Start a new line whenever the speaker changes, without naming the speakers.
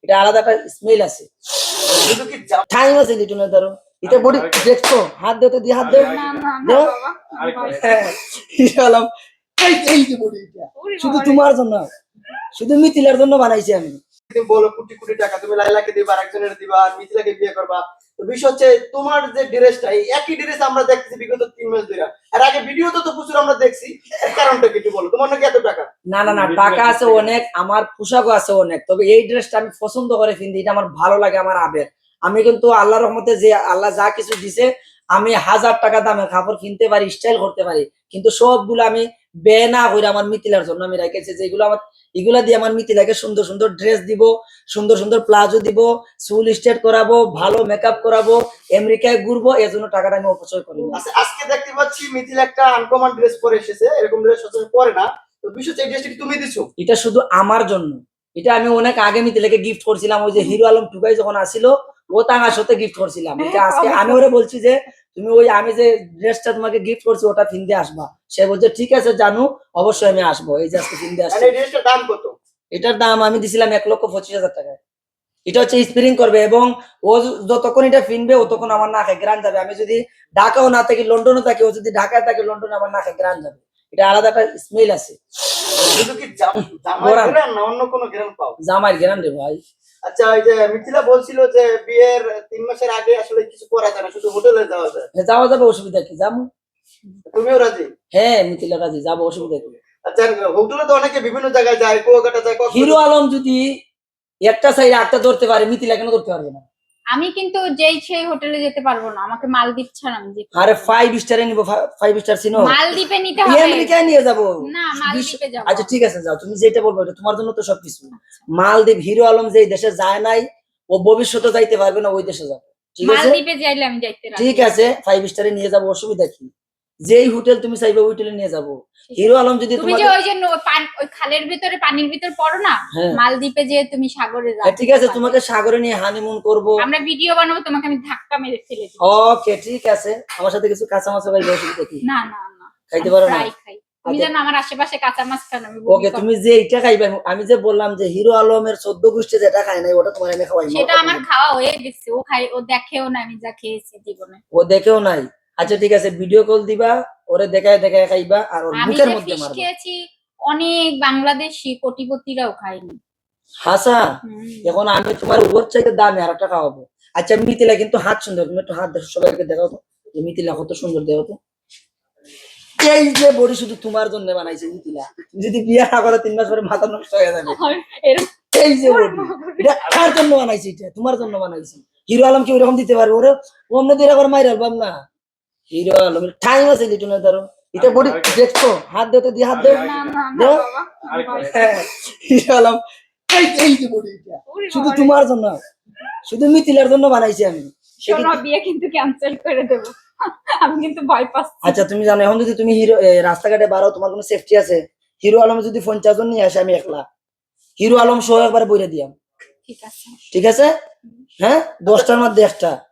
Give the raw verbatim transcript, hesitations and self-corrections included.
এটা আলাদা একটা স্মেল আছে।
শুধু কি
টাইম আছে লিটনের ধরো এটা বডি দেখছো হাত দিতে দিয়ে হাত দাও
না না না
দাও
বাবা
হ্যাঁ ইনশাআল্লাহ এই এই যে বডি এটা শুধু তোমার জন্য শুধু মিথিলার জন্য বানাইছি আমি।
তুমি বলো কোটি কোটি টাকা তুমি লাইলাকে দিবা আরেকজনের দিবা আর মিথিলাকে বিয়ে করবা, তো বিষয় হচ্ছে তোমার যে ড্রেসটা এই একই ড্রেস আমরা দেখতেছি বিগত তিন মাস ধরে, আর আগে ভিডিওতে তো প্রচুর আমরা দেখছি, এর কারণটা কি একটু বলো, তোমার নাকি এত টাকা?
না না না টাকা আছে অনেক, আমার পোশাকও আছে অনেক, তবে এই ড্রেসটা আমি পছন্দ করে কিনতে, এটা আমার ভালো লাগে, আমার আবেগ। আমি কিন্তু আল্লাহর রহমতে যে আল্লাহ যা কিছু দিছে আমি হাজার টাকা দামের কাপড় কিনতে পারি, স্টাইল করতে পারি, কিন্তু সবগুলো আমি ব্যয় না করে আমার মিথিলার জন্য আমি রেখেছি, যেগুলো আমার এগুলা দিয়ে আমার মিথিলাকে সুন্দর সুন্দর ড্রেস দিব, সুন্দর সুন্দর প্লাজো দিব, চুল স্ট্রেট করাবো, ভালো মেকআপ করাবো, আমেরিকায় ঘুরবো, এর জন্য টাকাটা আমি অপচয় করি না।
আচ্ছা, আজকে দেখতে পাচ্ছি মিথিলা একটা আনকমন ড্রেস পরে এসেছে, এরকম ড্রেস সচরাচর পরে না, তো বিষয় হচ্ছে এই ড্রেসটা কি তুমি দিছো?
এটা শুধু আমার জন্য, এটা আমি অনেক আগে মিথিলাকে গিফট করছিলাম, ওই যে হিরো আলম টুকাই যখন আসিল ও তাঙ্গার সাথে গিফট করছিলাম, এটা আজকে আমি ওরে বলছি যে তুমি ওই আমি যে ড্রেসটা তোমাকে গিফট করছি ওটা কিনতে আসবা, সে বলছে ঠিক আছে জানু অবশ্যই আমি আসবো, এই যে আজকে কিনতে আসছি।
এই ড্রেসটার দাম কত?
এটার দাম আমি দিছিলাম এক লক্ষ পঁচিশ হাজার টাকায়। এটা হচ্ছে স্প্রিং করবে এবং ও যতক্ষণ এটা কিনবে ততক্ষণ আমার নাকে গ্রান যাবে, আমি যদি ঢাকাও না থাকি লন্ডনও থাকি, ও যদি ঢাকায় থাকে লন্ডনে আমার নাকে গ্রান যাবে, এটা আলাদা একটা স্মেল আছে।
শুধু কি জামাই গ্রান না অন্য কোনো গ্রান পাও?
জামাইয়ের গ্রান রে ভাই।
আচ্ছা, এই যে মিথিলা বলছিল যে বিয়ের তিন মাসের আগে আসলে কিছু করা যায় না, শুধু হোটেলে যাওয়া যায়,
যাওয়া যাবে, অসুবিধা কি, যাবো।
তুমিও রাজি?
হ্যাঁ মিথিলা রাজি, যাবো, অসুবিধা কি।
আচ্ছা, হোটেলে তো অনেকে বিভিন্ন জায়গায় যায়, কুয়াকাটা যায়,
হিরো আলম যদি একটা সাইড আটটা ধরতে পারে, মিথিলা কেন ধরতে পারবে না?
আমি কিন্তু যেই সেই হোটেলে যেতে পারবো না, আমাকে মালদ্বীপ ছাড়া আমি যেতে
আরে ফাইভ স্টারে নিবো, ফাইভ স্টার চিনো?
মালদ্বীপে নিতে হবে,
আমেরিকায় নিয়ে যাবো।
না মালদ্বীপে যাবো।
আচ্ছা ঠিক আছে যাও, তুমি যেটা বলবো এটা তোমার জন্য তো সবকিছু। মালদ্বীপ হিরো আলম যে দেশে যায় নাই ও ভবিষ্যতে যাইতে পারবে না, ওই দেশে যাবে, ঠিক আছে?
মালদ্বীপে যাইলে আমি যাইতে রাজি।
ঠিক আছে ফাইভ স্টারে নিয়ে যাবো, অসুবিধা কি, যেই হোটেল তুমি চাইবে ওই হোটেলে নিয়ে যাবো। হিরো আলম যদি
তুমি যে ওই যে ওই খালের ভিতরে পানির ভিতর পড়ো না, মালদ্বীপে যে তুমি সাগরে যাও,
ঠিক আছে তোমাকে সাগরে নিয়ে হানিমুন করবো,
আমরা ভিডিও বানাবো, তোমাকে আমি ধাক্কা মেরে ফেলে দেব।
ওকে ঠিক আছে, আমার সাথে কিছু কাঁচা মাছ ভাই, অসুবিধা কি?
না না না
খাইতে পারো না?
ফ্রাই খাই, তুমি জানো আমার আশেপাশে কাঁচা মাছ খান আমি।
ওকে তুমি যে এটা খাইবে, আমি যে বললাম যে হিরো আলমের চোদ্দ গোষ্ঠী যেটা খায় নাই ওটা তোমার আমি খাওয়াই,
সেটা আমার খাওয়া হয়ে গেছে, ও খাই, ও দেখেও না আমি যা খেয়েছি জীবনে,
ও দেখেও নাই। আচ্ছা ঠিক আছে ভিডিও কল দিবা, ওরে দেখায় দেখায় খাইবা, আর ওর
আমি
মুখের
যে
মধ্যে
ফিশ
মারবা।
খেয়েছি অনেক বাংলাদেশি কোটিপতিরাও খায়নি।
হাসা এখন আমি তোমার ওর চাইতে দামে আর একটা খাওয়াবো। আচ্ছা মিথিলা কিন্তু হাত সুন্দর, তুমি একটু হাত দেখো, সবাইকে দেখাও তো যে মিথিলা কত সুন্দর, দেখো তো। এই যে বডি শুধু তোমার জন্য বানাইছে মিথিলা, যদি বিয়ে না করে তিন মাস পরে মাথা নষ্ট হয়ে যাবে। এই যে বডি এটা কার জন্য বানাইছে? এটা তোমার জন্য বানাইছে। হিরো আলম কি ওরকম দিতে পারবে? ওরে অন্য দিয়ে আবার মাইর আলবাম না। হিরো আলম টাইম আছে লিটনের ধরো, এটা বডি দেখছো হাত দিতে দিয়ে হাত দাও দাও। হিরো আলম এই এই যে বডি এটা শুধু তোমার জন্য, শুধু মিথিলার জন্য বানাইছি আমি।
শোনো বিয়ে কিন্তু ক্যান্সেল করে দেব, আমি কিন্তু ভয় পাচ্ছি।
আচ্ছা তুমি জানো এখন যদি তুমি হিরো রাস্তাঘাটে বাড়ো তোমার কোনো সেফটি আছে? হিরো আলম যদি পঞ্চাশ জন নিয়ে আসে আমি একলা, হিরো আলম সহ একবার বইরে দিয়াম,
ঠিক আছে
ঠিক আছে? হ্যাঁ দশটার মধ্যে একটা